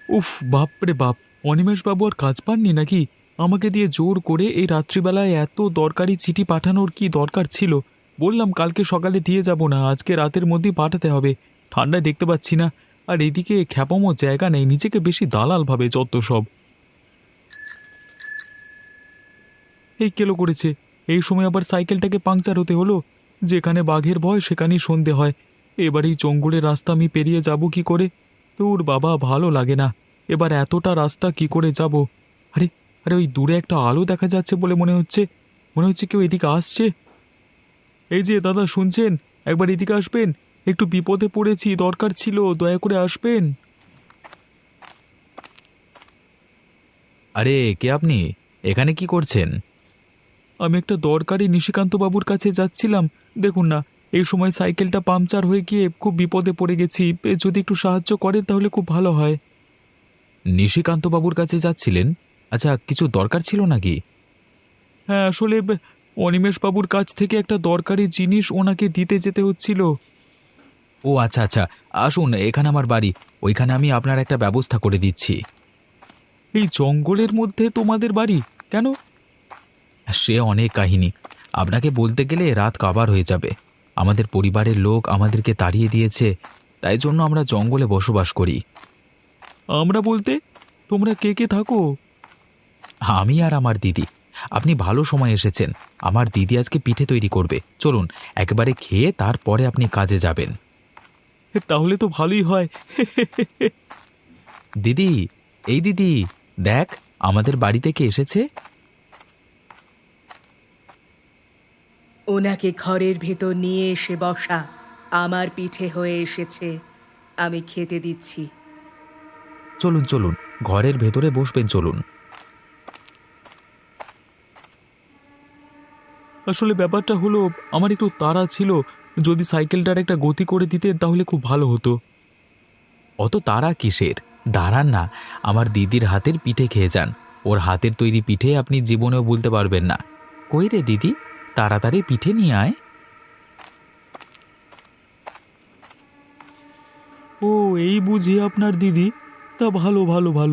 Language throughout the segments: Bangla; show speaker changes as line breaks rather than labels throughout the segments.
উফ, বাপরে বাপ! অনিমেষবাবু আর কাজ পাননি নাকি? আমাকে দিয়ে জোর করে এই রাত্রিবেলায় এত দরকারি চিঠি পাঠানোর কি দরকার ছিল? বললাম কালকে সকালে দিয়ে যাব না, আজকে রাতের মধ্যেই পাঠাতে হবে। ঠান্ডায় দেখতে পাচ্ছি না। আর এদিকে খ্যাপামো জায়গা নেই, নিজেকে বেশি দালাল ভাবে যত সব। এই কেলো করেছে! এই সময় আবার সাইকেলটাকে পাংচার হতে হলো। যেখানে বাঘের ভয় সেখানেই সন্ধে হয়। এবার এই জঙ্গলের রাস্তা আমি পেরিয়ে যাব কি করে? তোর বাবা, ভালো লাগে না। এবার এতটা রাস্তা কি করে যাব? আরে আরে, ওই দূরে একটা আলো দেখা যাচ্ছে বলে মনে হচ্ছে। মনে হচ্ছে কেউ এদিকে আসছে। এই যে দাদা, শুনছেন? একবার এদিকে আসবেন। একটু বিপদে পড়েছি, দরকার ছিল, দয়া করে আসবেন।
আরে, কে আপনি? এখানে কি করছেন?
আমি একটা দরকারি নিশিকান্ত বাবুর কাছে যাচ্ছিলাম। দেখুন না, এই সময় সাইকেলটা পাংচার হয়ে গিয়ে খুব বিপদে পড়ে গেছি। যদি একটু সাহায্য করেন তাহলে খুব ভালো হয়।
নিশিকান্ত বাবুর কাছে যাচ্ছিলেন? আচ্ছা, কিছু দরকার ছিল নাকি?
হ্যাঁ, আসলে অনিমেষ বাবুর কাছ থেকে একটা দরকারি জিনিস ওনাকে দিতে যেতে হচ্ছিল।
ও আচ্ছা আচ্ছা, আসুন, এখানে আমার বাড়ি। ওইখানে আমি আপনার একটা ব্যবস্থা করে দিচ্ছি।
এই জঙ্গলের মধ্যে তোমাদের বাড়ি? কেন?
সে অনেক কাহিনী। আপনাকে বলতে গেলে রাত কাবার হয়ে যাবে। আমাদের পরিবারের লোক আমাদেরকে তাড়িয়ে দিয়েছে, তাই জন্য আমরা জঙ্গলে বসবাস করি।
আমরা বলতে তোমরা কে কে থাকো?
আমি আর আমার দিদি। আপনি ভালো সময় এসেছেন। আমার দিদি আজকে পিঠে তৈরি করবে, চলুন একেবারে খেয়ে তারপরে আপনি কাজে যাবেন।
তাহলে তো ভালোই হয়।
দিদি, এই দিদি, দেখ, আমাদের বাড়িতে কে এসেছে।
ওনাকে ঘরের ভেতর নিয়ে এসে বসা। আমার পিঠে হয়ে এসেছে, আমি খেতে দিচ্ছি।
চলুন চলুন, ঘরের ভেতরে বসবেন, চলুন।
আসলে ব্যাপারটা হলো, আমার একটু তাড়া ছিল। যদি সাইকেলটার একটা গতি করে দিতেন তাহলে খুব ভালো হতো।
অত তাড়া কিসের? দাঁড়ান না, আমার দিদির হাতের পিঠে খেয়ে যান। ওর হাতের তৈরি পিঠে আপনি জীবনেও ভুলতে পারবেন না। কই রে দিদি, তাড়াতাড়ি পিঠে নিয়ে আয়।
ও, এই বুঝি আপনার দিদি? তা ভালো ভালো ভালো।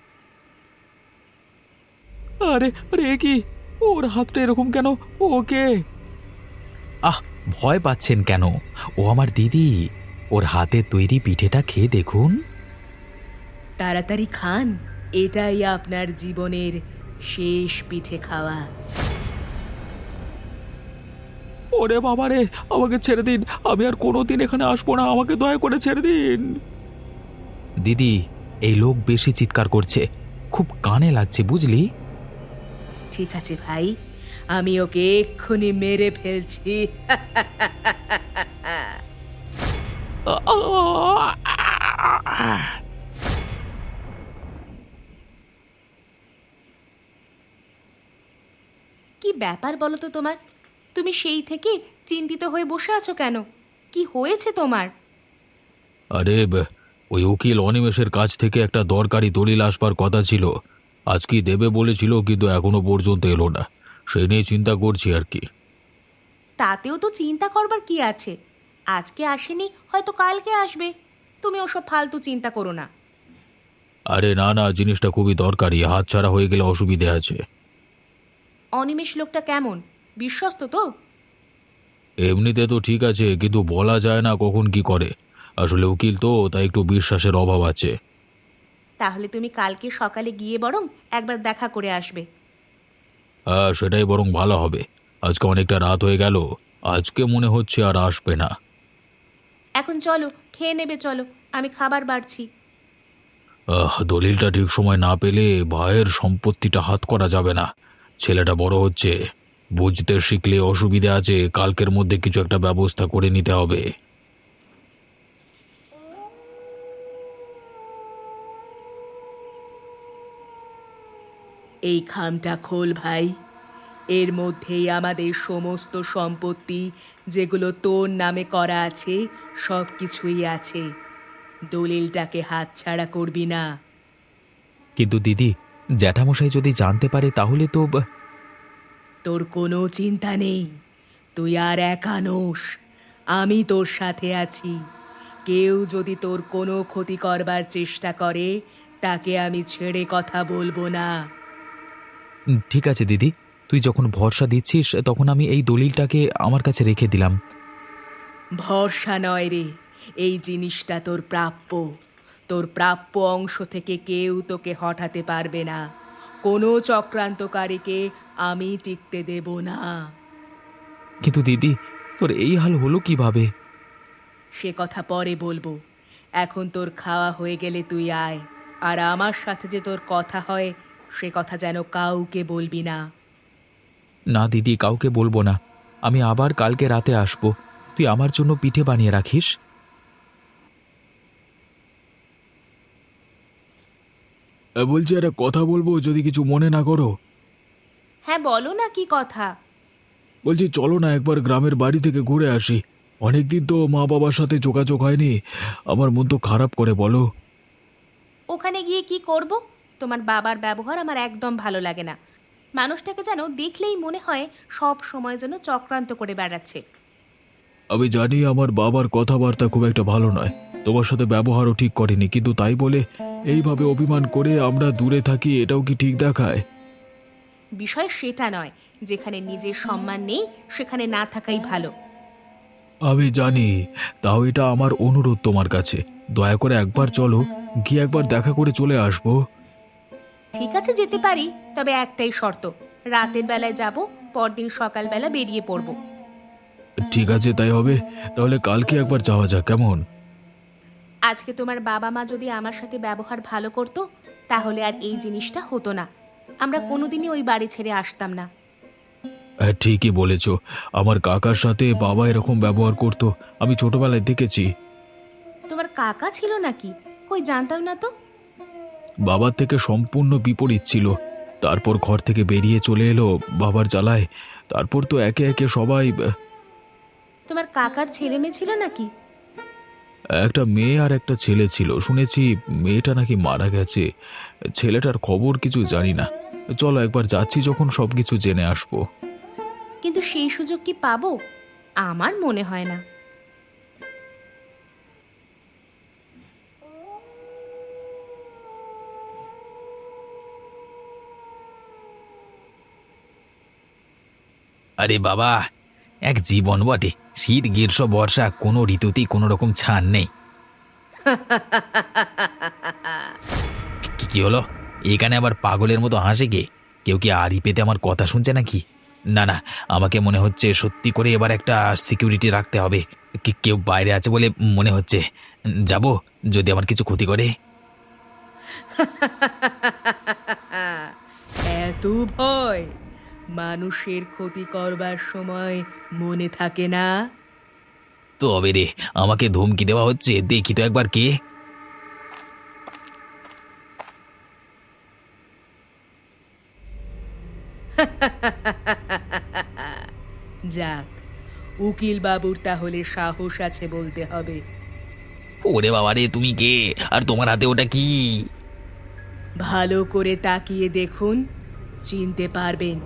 আরে আরে, এ কি? ওর হাতটা এরকম কেন? ওকে।
আহ, ভয় পাচ্ছেন কেন? ও আমার দিদি। ওর হাতের তৈরি পিঠেটা খেয়ে দেখুন।
তাড়াতাড়ি খান, এটাই আপনার জীবনের শেষ পিঠে খাওয়া।
ওরে বাবা রে, আমাকে ছেড়ে দিন। আমি আর কোনোদিন এখানে আসবো না, আমাকে দয়া করে ছেড়ে দিন।
দিদি, এই লোক বেশি চিৎকার করছে, খুব কানে লাগছে, বুঝলি?
ঠিক আছে ভাই, আমি ওকে এক্ষুনি মেরে ফেলছি। কি ব্যাপার বলো তো তোমার? তুমি সেই থেকে চিন্তিত হয়ে বসে আছো কেন? কি হয়েছে তোমার?
আরে, ওই উকিল অনিমেষের কাছ থেকে একটা দরকারি দলিল আসবার কথা ছিল। আজ কি দেবে বলেছিল, কিন্তু এখনো পর্যন্ত এলো না। সেই নিয়ে চিন্তা করছি আর কি।
তাতেও তো চিন্তা করবার কি আছে? আজকে আসেনি, হয়তো কালকে আসবে। তুমি ওসব ফালতু চিন্তা করো না।
আরে না না, জিনিসটা খুবই দরকারি, হাতছাড়া হয়ে গেলে অসুবিধে আছে।
অনিমেষ লোকটা কেমন? বিশ্বস্ত তো?
এমনিতে তো ঠিক আছে, কিন্তু বলা যায় না কখন কি করে। আসলে উকিল তো, তাই একটু বিশ্বাসের অভাব আছে।
তাহলে তুমি কালকে সকালে গিয়ে বরং একবার দেখা করে আসবে।
হ্যাঁ, সেটাই বরং ভালো হবে। আজকে অনেকটা রাত হয়ে গেল, আজকে মনে হচ্ছে আর আসবে না।
এখন চলো, খেয়ে নেবে, চলো, আমি খাবার বাড়ছি।
দলিলটা ঠিক সময় না পেলে ভাইয়ের সম্পত্তিটা হাত করা যাবে না। ছেলেটা বড় হচ্ছে, বুঝতে শিখলে অসুবিধা আছে, কালকের মধ্যে কিছু একটা ব্যবস্থা করে নিতে হবে।
এই খামটা খোল ভাই। এর মধ্যেই আমাদের সমস্ত সম্পত্তি, যেগুলো তোর নামে করা আছে, সব কিছুই আছে। দলিলটাকে হাতছাড়া করবি না।
কিন্তু দিদি, জ্যাঠামশাই যদি জানতে পারে তাহলে তো
তোর কোনো চিন্তা নেই, তুই আর একা নোস। আমি তোর সাথে আছি। কেউ যদি তোর কোনো ক্ষতি করবার চেষ্টা করে, তাকে আমি ছেড়ে কথা বলবো না।
ঠিক আছে দিদি, তুই যখন ভরসা দিচ্ছিস তখন আমি এই দলিলটাকে আমার কাছে রেখে দিলাম।
ভরসা নয় রে, এই জিনিসটা তোর প্রাপ্য। তোর প্রাপ্য অংশ থেকে কেউ তোকে হঠাতে পারবে না। কোনো চক্রান্তকারীকে আমি টিকতে দেব না।
কিন্তু দিদি, তোর এই হাল হলো কিভাবে?
সে কথা পরে বলবো। এখন তোর খাওয়া হয়ে গেলে তুই আয়। আর আমার সাথে যে তোর কথা হয় সে কথা যেন কাউকে বলবি না।
না দিদি, কাউকে বলবো না। আমি আবার কালকে রাতে আসবো। তুই আমার জন্য পিঠে বানিয়ে রাখিস।
বলছি একটা কথা বলবো, যদি কিছু মনে না করো।
হ্যাঁ বলো না, কি কথা?
বলছি চলো না একবার গ্রামের বাড়ি থেকে ঘুরে আসি। অনেকদিন তো মা বাবার সাথে যোগাযোগ হয়নি। আমার মন তো খারাপ করে, বলো।
ওখানে গিয়ে কি করব? তোমার বাবার ব্যবহার আমার একদম ভালো লাগে না। মানুষটাকে যেন দেখলেই মনে হয় সব সময় যেন চক্রান্ত করে বেড়াচ্ছে।
আমি জানি আমার বাবার কথাবার্তা খুব একটা ভালো নয়, তোমার সাথে ব্যবহারও ঠিক করেনি, কিন্তু তাই বলে এইভাবে অভিমান করে আমরা দূরে থাকি, এটাও কি ঠিক দেখায়?
বিষয় সেটা নয়, যেখানে নিজের সম্মান নেই সেখানে না থাকাই ভালো।
আমি জানি, তাও এটা আমার অনুরোধ তোমার কাছে। দয়া করে একবার চলো, গিয়ে একবার দেখা করে চলে আসবো।
ঠিক আছে, যেতে পারি, তবে একটাই শর্ত। রাতের বেলায় যাব, পরদিন সকালবেলা বেরিয়ে পড়ব।
ঠিক আছে, তাই হবে। তাহলে কালকে একবার যাওয়া যাক, কেমন?
আজকে তোমার বাবা মা যদি আমার সাথে ব্যবহার ভালো করতো তাহলে আর এই জিনিসটা হতো না। আমরা কোনোদিনই ওই বাড়ি ছেড়ে আসতাম না।
হ্যাঁ, ঠিকই বলেছ। আমার কাকার সাথে বাবা এরকম ব্যবহার করতো, আমি ছোটবেলায় দেখেছি।
তোমার কাকা ছিল নাকি? কই, জানতাম না তো।
বাবার থেকে সম্পূর্ণ বিপরীত ছিল। তারপর ঘর থেকে বেরিয়ে চলে এলো বাবার জ্বালায়। তারপর তো একে একে সবাই।
তোমার কাকার ছেলে মেয়ে ছিল নাকি?
একটা মেয়ে আর একটা ছেলে ছিল, শুনেছি মেয়েটা নাকি মারা গেছে। ছেলেটার খবর কিছু জানি না। চলো একবার যাচ্ছি যখন সবকিছু জেনে আসবো।
কিন্তু সেই সুযোগ কি পাবো? আমার মনে হয় না।
আরে বাবা, এক জীবন বটে। শীত, গ্রীষ্ম, বর্ষা, কোনো ঋতুতেই কোনো রকম ছাড় নেই। কি হলো? এখানে আবার পাগলের মতো হাসে কে? কেউ কি আড়ি পেতে আমার কথা শুনছে নাকি? না না, আমাকে মনে হচ্ছে সত্যি করে এবার একটা সিকিউরিটি রাখতে হবে। কেউ বাইরে আছে বলে মনে হচ্ছে। যাব, যদি আমার কিছু ক্ষতি করে।
এত ভয় মানুষের ক্ষতি করবার সময় মনে থাকে না?
তবে রে, আমাকে ধমকি দেওয়া হচ্ছে, দেখি তো একবার কে।
যাক, উকিল বাবুর তাহলে সাহস আছে বলতে হবে।
ওরে বাবা রে, তুমি কে? আর তোমার হাতে ওটা কি?
ভালো করে তাকিয়ে দেখুন, চিনতে পারবেন।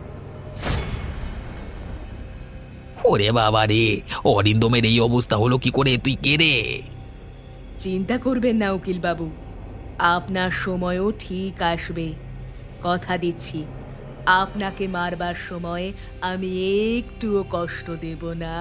ওরে বাবা রে, অরিন্দমের এই অবস্থা হলো কি করে? তুই কে রে?
চিন্তা করবেন না উকিল বাবু, আপনার সময়ও ঠিক আসবে। কথা দিচ্ছি, আপনাকে মারবার সময় আমি একটুও কষ্ট দেব না।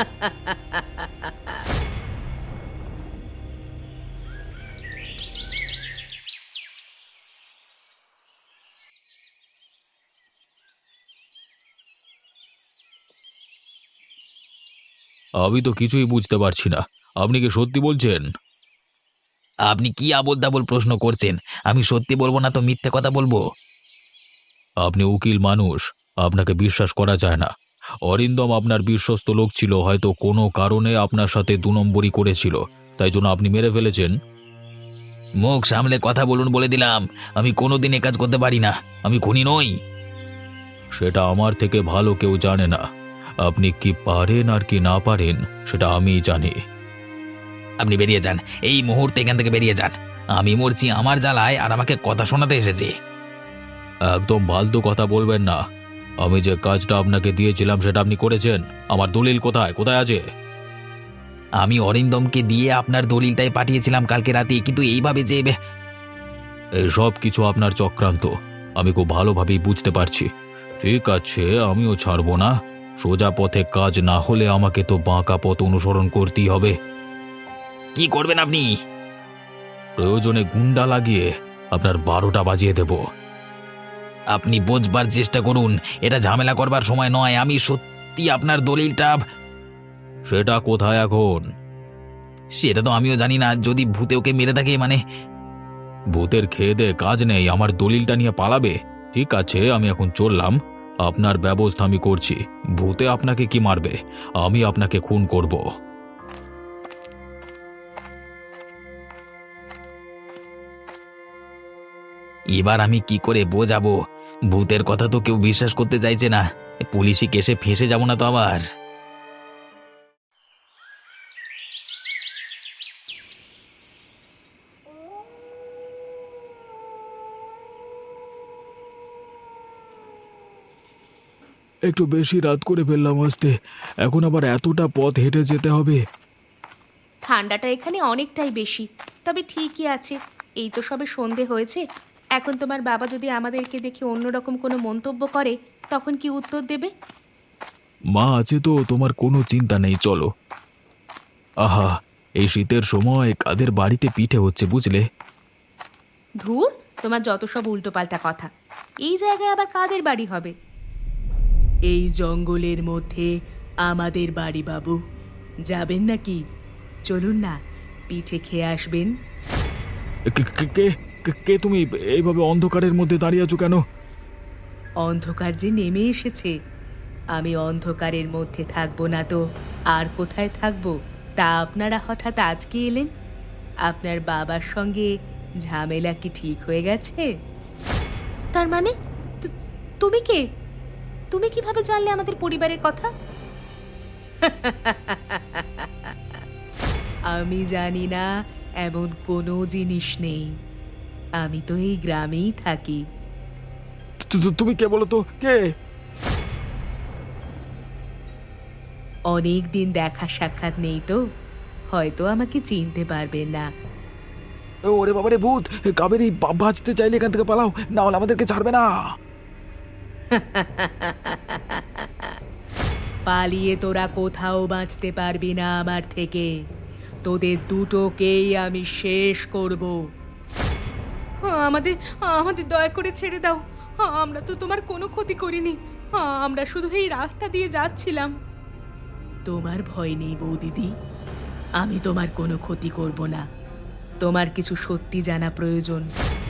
আমি তো কিছুই বুঝতে পারছি না, আপনি কি সত্যি বলছেন?
আপনি কি আবোল তাবোল প্রশ্ন করছেন? আমি সত্যি বলবো না তো মিথ্যে কথা বলবো?
আপনি উকিল মানুষ, আপনাকে বিশ্বাস করা যায় না। অরিন্দম আপনার বিশ্বস্ত লোক ছিল, হয়তো কোনো কারণে আপনার সাথে দু নম্বরই করেছিল, তাই জন্য আপনি মেরে ফেলেছেন।
মুখ সামলে কথা বলুন বলে দিলাম। আমি কোনোদিন এ কাজ করতে পারি না। আমি খুনি নই।
সেটা আমার থেকে ভালো কেউ জানে না। আপনি কি পারেন আর কি না পারেন সেটা আমিই জানি।
আপনি বেরিয়ে যান, এই মুহূর্তে এখান থেকে বেরিয়ে যান। আমি মরছি আমার জ্বালায়, আর আমাকে কথা শোনাতে এসেছে।
একদম ফালতু কথা বলবেন না। আমি যে কাজটা আপনাকে দিয়েছিলাম সেটা আপনি করেছেন। আমার দলিল কোথায় কোথায় আছে?
আমি অরিন্দমকে দিয়ে আপনার দলিলটাই পাঠিয়েছিলাম কালকে রাতে, কিন্তু এইভাবে যে এই সব কিছু আপনার চক্রান্ত, আমি খুব ভালোভাবেই বুঝতে পারছি। ঠিক আছে, আমিও ছাড়বো না। সোজা পথে কাজ না হলে আমাকে তো বাঁকা পথ অনুসরণ করতেই হবে। কি করবেন আপনি? প্রয়োজনে গুন্ডা লাগিয়ে আপনার 12টা বাজিয়ে দেব। আপনি বোঝবার চেষ্টা করুন, এটা ঝামেলা করবার সময় নয়। আমি সত্যি আপনার দলিলটা। সেটা কোথায় এখন? সেটা তো আমিও জানি না। যদি ভূতে ওকে মেরে থাকে, মানে ভূতের খেয়ে দে কাজ নেই, আমার দলিলটা নিয়ে পালাবে? ঠিক আছে, আমি এখন চললাম। আপনার ব্যবস্থা আমি করছি। ভূতে আপনাকে কি মারবে? আমি আপনাকে খুন করব। এবার আমি কি করে বোঝাবো? ভূতের কথা তো কেউ বিশ্বাস করতে চাইছে না। পুলিশি কেসে ফেঁসে যাব না তো আবার?
একটু বেশি রাত করে ফেললাম আসতে, এখন আবার এতটা পথ হেঁটে যেতে হবে।
ঠান্ডাটা এখানে অনেকটাই বেশি, তবে ঠিকই আছে। এই তো সবে সন্ধে হয়েছে। এখন তোমার বাবা যদি আমাদেরকে দেখে অন্যরকম কোনো মন্তব্য করে, তখন কি উত্তর দেবে?
মা আছে তো, তোমার কোনো চিন্তা নেই, চলো। আহা, এই শীতের সময় কাদের বাড়িতে পিঠে হচ্ছে বুঝলে?
ধুর, তোমার যত সব উল্টোপাল্টা কথা। এই জায়গায় আবার কাদের বাড়ি হবে?
এই জঙ্গলের মধ্যে আমাদের বাড়ি বাবু। যাবেন নাকি? চলুন না, পিঠে খেয়ে আসবেন।
কে কে- কে কে তুমি এইভাবে অন্ধকারের মধ্যে দাঁড়িয়ে আছো কেন?
অন্ধকার যে নেমে এসেছে, আমি অন্ধকারের মধ্যে থাকবো না তো আর কোথায় থাকবো? তা আপনারা হঠাৎ আজকে এলেন? আপনার বাবার সঙ্গে ঝামেলা কি ঠিক হয়ে গেছে?
তার মানে তুমি কে? তুমি কিভাবে জানলে আমাদের পরিবারের কথা?
আমি জানি না এমন কোনো জিনিস নেই। আমি তো এই গ্রামেই থাকি।
তুমি কে বলো তো, কে?
অনেক দিন দেখা সাক্ষাৎ নেই তো, হয়তো আমাকে চিনতে পারবেন না।
ওরে বাবারে ভূত! কাবেরী, বাঁচতে চাইলে এখান থেকে পালাও, না হলে আমাদেরকে ছাড়বে না।
পালিয়ে তোরা কোথাও বাঁচতে পারবি না আমার থেকে। তোদের দুটোকেই আমি শেষ করব।
আমাদের আমাদের দয়া করে ছেড়ে দাও। আমরা তো তোমার কোনো ক্ষতি করিনি। আমরা শুধু এই রাস্তা দিয়ে যাচ্ছিলাম।
তোমার ভয় নেই বৌদিদি, আমি তোমার কোনো ক্ষতি করব না। তোমার কিছু সত্যি জানা প্রয়োজন।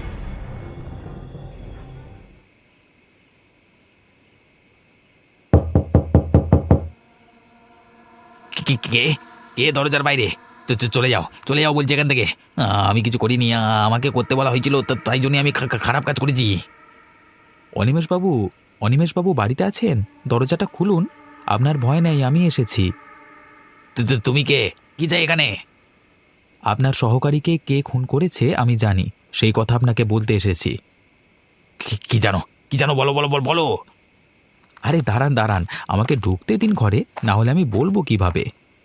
কে কে কে দরজার বাইরে? চলে যাও, চলে যাও বলছি এখান থেকে। আমি কিছু করিনি। আমাকে করতে বলা হয়েছিল, তাই জন্য আমি খারাপ কাজ করেছি।
অনিমেষবাবু, অনিমেষবাবু বাড়িতে আছেন? দরজাটা খুলুন, আপনার ভয় নেই, আমি এসেছি।
তুমি কে? কি চাই এখানে?
আপনার সহকারীকে কে খুন করেছে আমি জানি, সেই কথা আপনাকে বলতে এসেছি।
কি জানো? কি জানো? বলো বলো বলো বলো।
আরে দাঁড়ান দাঁড়ান, আমাকে ঢুকতে দিন ঘরে, না হলে আমি বলবো কিভাবে।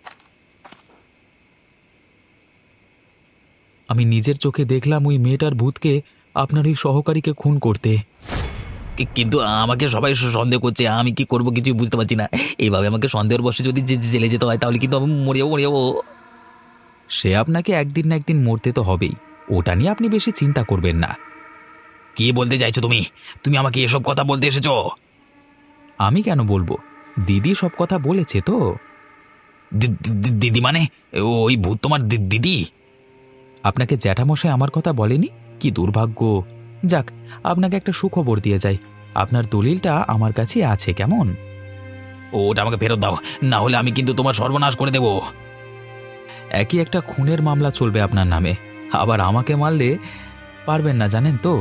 আমি নিজের চোখে দেখলাম ওই মেয়েটার ভূতকে আপনার ওই সহকারীকে খুন করতে।
কিন্তু আমাকে সবাই সন্দেহ করছে, আমি কি করব কিছু বুঝতে পারছি না। এইভাবে আমাকে সন্দেহের বশে যদি জেলে যেতে হয়, তাহলে কিন্তু আমি মরে যাবো।
সে আপনাকে একদিন না একদিন মরতে তো হবেই, ওটা নিয়ে আপনি বেশি চিন্তা করবেন না।
কি বলতে চাইছো তুমি? তুমি আমাকে এসব কথা বলতে এসেছো?
আমি কেন বলবো, দিদি সব কথা বলেছে তো।
দিদি মানে? ওই ভূত তোমার দিদি?
আপনাকে জ্যাঠামশাই আমার কথা বলেনি? কি দুর্ভাগ্য! যাক, আপনাকে একটা সুখবর দিয়ে যাই, আপনার দলিলটা আমার কাছে আছে, কেমন?
ওটা আমাকে ফেরত দাও, না হলে আমি কিন্তু তোমার সর্বনাশ করে দেব।
একই একটা খুনের মামলা চলবে আপনার নামে, আবার আমাকে মারলে পারবেন না, জানেন তো।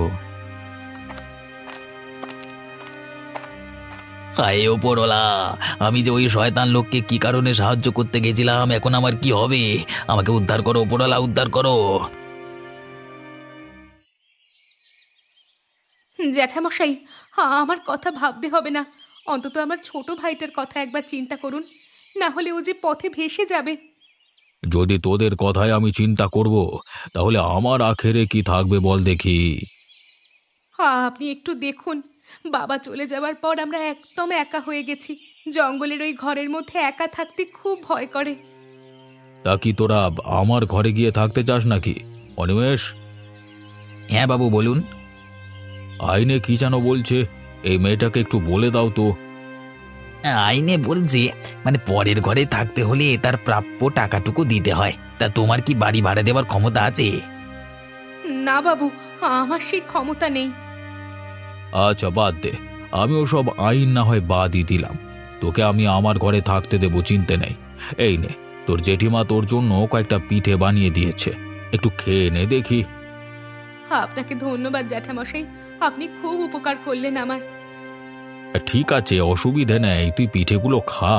হায় ওপরওয়ালা, আমি যে ওই শয়তান লোককে কি কারণে সাহায্য করতে গেছিলাম, এখন আমার কি হবে? আমাকে উদ্ধার করো ওপরওয়ালা, উদ্ধার করো।
জ্যাঠামশাই, আমার কথা ভাবতে হবে না। অন্তত আমার ছোট ভাইটার কথা একবার চিন্তা করুন, না হলে ও যে পথে ভেসে যাবে।
যদি তোদের কথায় আমি চিন্তা করব তাহলে আমার আখেরে কি থাকবে বল দেখি।
আপনি একটু দেখুন, বাবা চলে যাওয়ার পর আমরা একদম একা হয়ে গেছি। জঙ্গলের ওই ঘরের মধ্যে একা থাকতে খুব ভয় করে।
তা কি তোরা আমার ঘরে গিয়ে থাকতে চাস নাকি অনিমেষ? হ্যাঁ বাবু বলুন। আইনে কি যেন বলছে, এই মেয়েটাকে একটু বলে দাও তো। আইনে বলছে মানে পরের ঘরে থাকতে হলে তার প্রাপ্য টাকাটুকু দিতে হয়। তা তোমার কি বাড়ি ভাড়া দেওয়ার ক্ষমতা আছে?
না বাবু, আমার সেই ক্ষমতা নেই।
আচ্ছা বাদ দে, আমিও সব আইন না হয় বাদই দিলাম। তোকে আমি আমার ঘরে থাকতে দেবো, চিনতে নেই। এই নে, তোর জেঠিমা তোর জন্য কয়েকটা পিঠে বানিয়ে দিয়েছে, একটু খেয়ে নে দেখি।
আপনাকে ধন্যবাদ জ্যাঠামশাই, আপনি খুব উপকার করলেন আমার।
ঠিক আছে, অসুবিধে নেই, তুই পিঠেগুলো খা।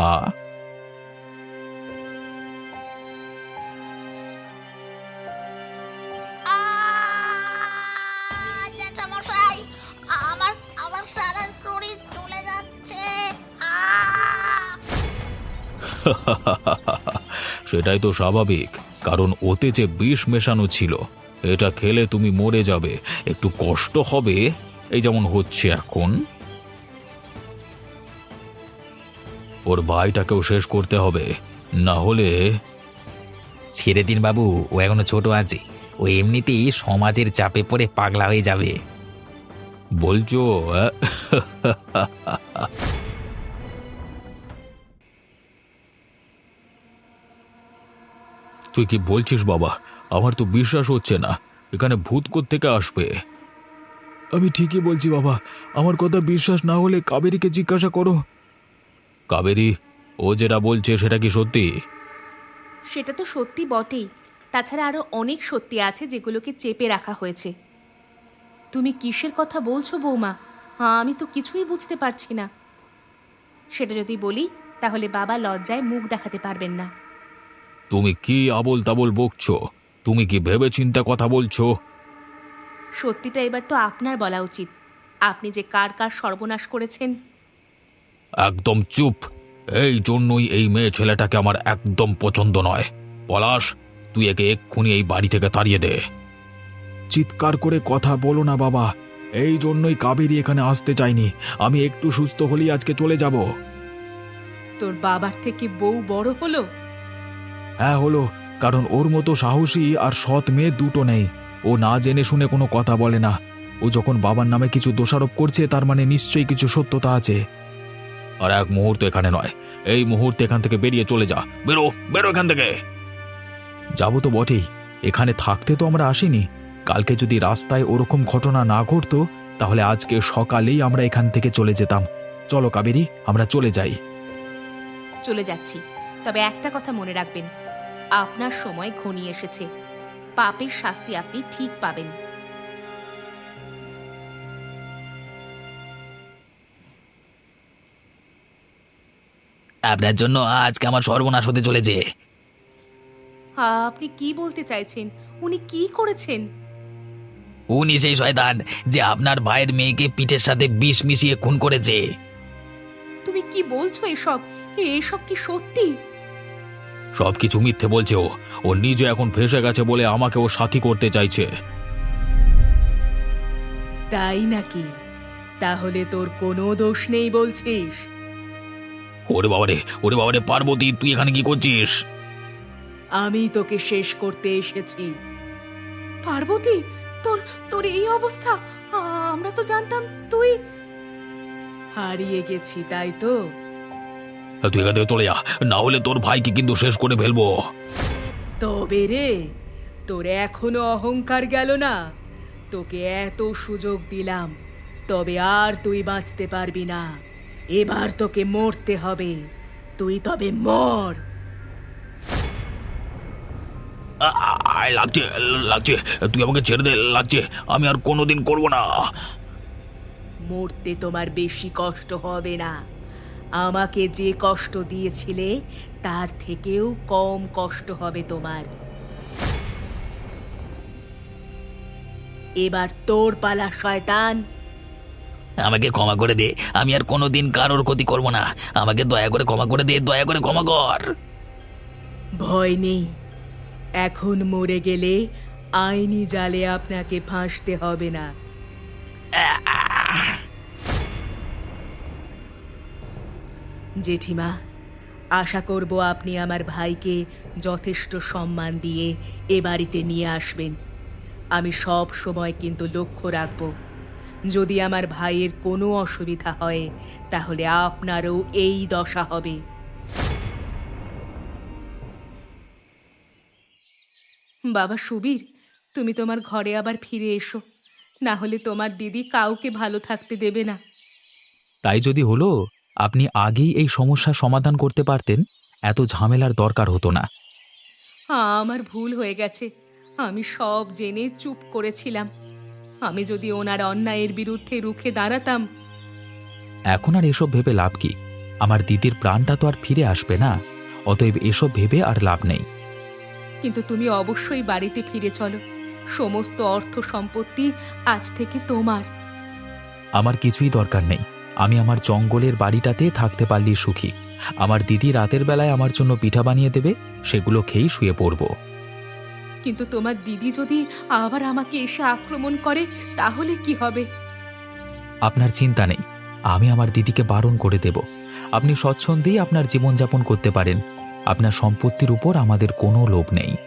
জ্যাঠামশাই, আমার আমার সারা শরীর চলে যাচ্ছে।
সেটাই তো স্বাভাবিক, কারণ ওতে যে বিষ মেশানো ছিল। এটা খেলে তুমি মরে যাবে, একটু কষ্ট হবে, এই যেমন হচ্ছে এখন। ওর ভাইটাকেও শেষ করতে হবে, না হলে। ছেড়ে দিন বাবু, ও এখনো ছোট আছে, ও এমনিতেই সমাজের চাপে পড়ে পাগলা হয়ে যাবে। বলছো? তুই কি বলছিস বাবা? আমার তো বিশ্বাস হচ্ছে না, এখানে ভূত কোত্থেকে আসবে?
আমি ঠিকই বলছি বাবা, আমার কথা বিশ্বাস না হলে কাবেরীকে জিজ্ঞাসা করো।
কাবেরী, ও যেটা বলছে সেটা কি সত্যি?
সেটা তো সত্যি বটেই, তাছাড়া আরো অনেক সত্যি আছে যেগুলোকে চেপে রাখা হয়েছে। তুমি কিসের কথা বলছো বৌমা? আমি তো কিছুই বুঝতে পারছি না। সেটা যদি বলি তাহলে বাবা লজ্জায় মুখ দেখাতে পারবেন না।
তুমি কি আবোল তাবোল বকছো? তুমি কি ভেবে চিন্তা কথা বলছো?
সত্যিটা এবার তো আপনার বলা উচিত। আপনি যে কার কার সর্বনাশ করেছেন।
একদম চুপ! এই জন্যই এই মেয়ে ছেলেটাকে আমার একদম পছন্দ নয়। পলাশ, তুই একে এক্ষুনি এই বাড়ি থেকে তাড়িয়ে দে।
চিৎকার করে কথা বলো না বাবা, এই জন্যই কাবেরী এখানে আসতে চাইনি। আমি একটু সুস্থ হলেই আজকে চলে যাব।
তোর বাবার থেকে বউ বড় হলো?
হ্যাঁ হলো, কারণ ওর মতো সাহসী আর সৎ মেয়ে দুটো নেই। ও না জেনে শুনে কোনো কথা বলে না। ও যখন বাবার নামে কিছু দোষারোপ করছে, তার মানে নিশ্চয়ই কিছু সত্যতা আছে।
আর এক মুহূর্ত এখানে নয়, এই মুহূর্তে এখান থেকে বেরিয়ে চলে যা। বেরো, বেরো এখান থেকে।
যাবো তো বটেই, এখানে থাকতে তো আমরা আসিনি। কালকে যদি রাস্তায় ওরকম ঘটনা না ঘটতো, তাহলে আজকে সকালেই আমরা এখান থেকে চলে যেতাম। চলো কাবেরী, আমরা চলে যাই।
চলে যাচ্ছি, তবে একটা কথা মনে রাখবেন, আপনার সময় ঘনিয়ে এসেছে। পাপের শাস্তি আপনি ঠিক পাবেন।
আপনার জন্য আজকে আমার সর্বনাশ হতে চলেছে।
আপনি কি বলতে চাইছেন? উনি কি করেছেন?
উনি সেই শয়তান যে আপনার ভাইয়ের মেয়েকে পিঠের সাথে বিষ মিশিয়ে খুন করেছে।
তুমি কি বলছো এসব? এসব কি সত্যি?
সবকিছু মিথ্যে বলছে ও। ও নিজে এখন ফেঁসে গেছে বলে আমাকে ও সাথী করতে চাইছে।
তাই নাকি? তাহলে তোর কোনো দোষ নেই বলছিস?
ওরে বাবারে, ওরে বাবারে, পার্বতী তুই এখানে কি করছিস?
আমি তোকে শেষ করতে এসেছি।
পার্বতী, তোর তোর এই অবস্থা! আমরা তো জানতাম তুই
হারিয়ে গেছি, তাই তো?
তুই এখান থেকে চলে যা, না হলে তোর ভাইকে কিন্তু শেষ করে ফেলবো।
তবে রে, তোর এখনো অহংকার গেল না? তোকে এত সুযোগ দিলাম, তবে আর তুই বাঁচতে পারবি না। এবার তোকে মরতে হবে। তুই তবে মর।
আয়, লাগছে লাগছে, তুই আমাকে ছেড়ে দে, লাগছে, আমি আর কোনোদিন করবো না।
মরতে তোমার বেশি কষ্ট হবে না। আমাকে যে কষ্ট দিয়েছিলে তার থেকেও কম কষ্ট হবে তোমার। এবার তোর পালা শয়তান।
আমাকে ক্ষমা করে দে, আমি আর কোনোদিন কারোর ক্ষতি করবো না। আমাকে দয়া করে ক্ষমা করে দে, দয়া করে ক্ষমা কর।
ভয় নেই, এখন মরে গেলে আইনি জালে আপনাকে ফাঁসতে হবে না। জেঠিমা, আশা করব আপনি আমার ভাইকে যথেষ্ট সম্মান দিয়ে এ বাড়িতে নিয়ে আসবেন। আমি সব সময় কিন্তু লক্ষ্য রাখব, যদি আমার ভাইয়ের কোনো অসুবিধা হয় তাহলে আপনারও এই দশা হবে।
বাবা সুবীর, তুমি তোমার ঘরে আবার ফিরে এসো, না হলে তোমার দিদি কাউকে ভালো থাকতে দেবে না।
তাই যদি হলো, আপনি আগেই এই সমস্যার সমাধান করতে পারতেন, এত ঝামেলার দরকার হতো না।
আমার ভুল হয়ে গেছে, আমি সব জেনে চুপ করেছিলাম। আমি যদি ওনার অন্যায়ের বিরুদ্ধে রুখে দাঁড়াতাম।
এখন আর এসব ভেবে লাভ কি? আমার দিদির প্রাণটা তো আর ফিরে আসবে না, অতএব এসব ভেবে আর লাভ নেই।
কিন্তু তুমি অবশ্যই বাড়িতে ফিরে চলো, সমস্ত অর্থ সম্পত্তি আজ থেকে তোমার।
আমার কিছুই দরকার নেই, আমি আমার জঙ্গলের বাড়িটাতে থাকতে পারলেই সুখী। আমার দিদি রাতের বেলায় আমার জন্য পিঠা বানিয়ে দেবে, সেগুলো খেয়েই শুয়ে পড়ব।
কিন্তু তোমার দিদি যদি আবার আমাকে এসে আক্রমণ করে তাহলে কি হবে?
আপনার চিন্তা নেই, আমি আমার দিদিকে বারণ করে দেব। আপনি স্বচ্ছন্দেই আপনার জীবনযাপন করতে পারেন। আপনার সম্পত্তির উপর আমাদের কোনো লোভ নেই।